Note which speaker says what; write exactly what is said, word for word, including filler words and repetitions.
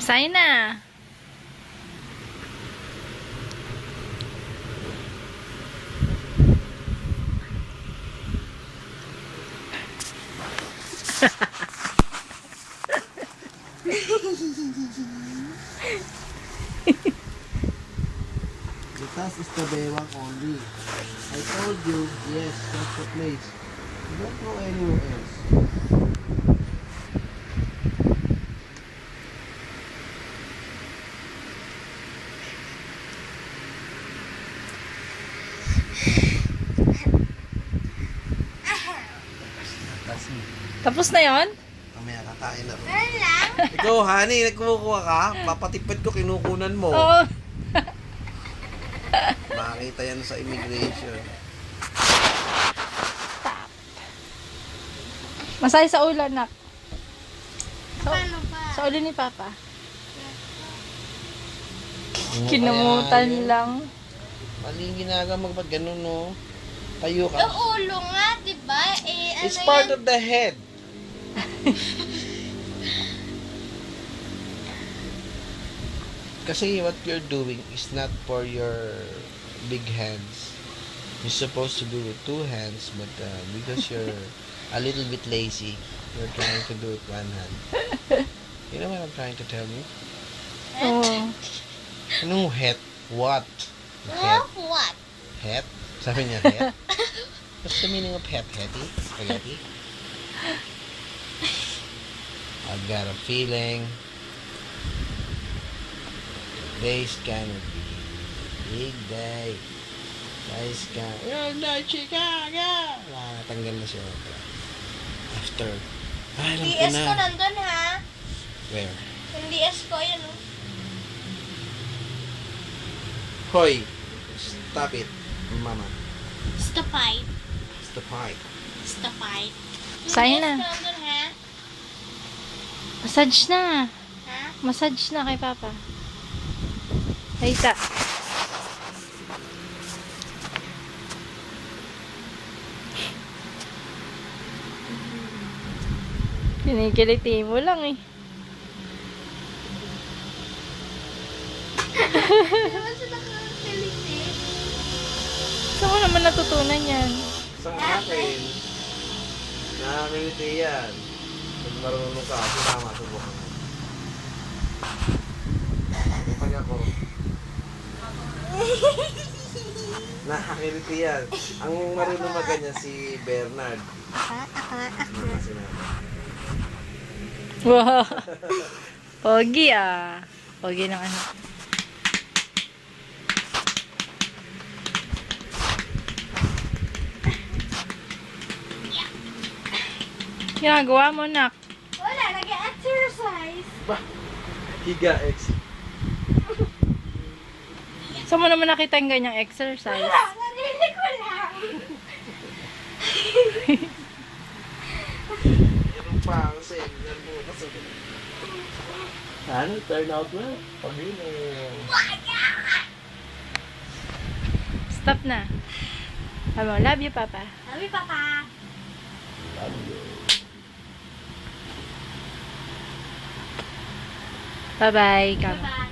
Speaker 1: Sign na.
Speaker 2: The task is the Bewang only. I told you, yes, that's the place. Don't go anywhere else. That's me.
Speaker 1: Tapos na yon?
Speaker 2: Mamaya kakain na rin.
Speaker 3: Wala.
Speaker 2: Ikaw, honey, nagkumukuha ka? Papatipid ko, kinukunan mo.
Speaker 1: Oo.
Speaker 2: Makakita yan sa immigration.
Speaker 1: Masaya sa ulo, nak. Sa,
Speaker 3: Paano ba?
Speaker 1: sa ulo ni Papa.
Speaker 2: Ano
Speaker 1: Kinamutan
Speaker 2: kaya yun?
Speaker 1: lang.
Speaker 2: Mali yung ginagawa mo, ba't ganun, no? Tayo ka.
Speaker 3: Yung ulo nga, diba? Eh, ano
Speaker 2: It's part
Speaker 3: yan?
Speaker 2: of the head. Kasi what you're doing is not for your big hands. You're supposed to do it two hands, but uh, because you're a little bit lazy, you're trying to do it one hand. You know what I'm trying to tell you?
Speaker 1: Oo.
Speaker 2: Anong het? What?
Speaker 3: Well,
Speaker 2: Het?
Speaker 3: what?
Speaker 2: Het? Sabi niya het? What's the meaning of het? Hetty? Spaghetti? I've got a feeling today's gonna be a big day. Today's gonna... You're not Chicago! Wala, natanggal na siya. After... Ay, alam ko
Speaker 3: D S ko
Speaker 2: na.
Speaker 3: nandun, ha?
Speaker 2: Where?
Speaker 3: Yung D S ko, yun, oh.
Speaker 2: Hoy! Stop it, mama.
Speaker 3: Stapite.
Speaker 2: Stop it.
Speaker 3: Stapite. Yung
Speaker 1: Sign
Speaker 3: D S
Speaker 1: na.
Speaker 3: ko nandun, ha?
Speaker 1: Massage na.
Speaker 3: Ha?
Speaker 1: Massage na kay Papa. Hayta. Kinikiliti mo lang eh.
Speaker 3: Naman siya nakakiliti.
Speaker 1: Saan mo naman natutunan yan?
Speaker 2: Sa akin, nakakiliti yan. Pag marunong ka, sinama, subukan mo. Pag ako, nakakiliti yan. Ang marunong maganya si Bernard. Mga sinabi.
Speaker 1: Wow. Pogi ah. Pogi ng ano. Ginagawa mo, nak.
Speaker 3: Wala, nag-exercise.
Speaker 2: Bah! Higa, ex.
Speaker 1: Saan mo naman nakita yung ganyang exercise?
Speaker 3: Wala, narinig ko lang.
Speaker 2: Meron pa kasi, yan mo kasi. Ano, turn out well. Pag yun eh.
Speaker 1: Stop na. Ano, love you, Papa.
Speaker 3: Sabi, Papa.
Speaker 2: Love you.
Speaker 1: Bye-bye. Come.
Speaker 3: Bye-bye.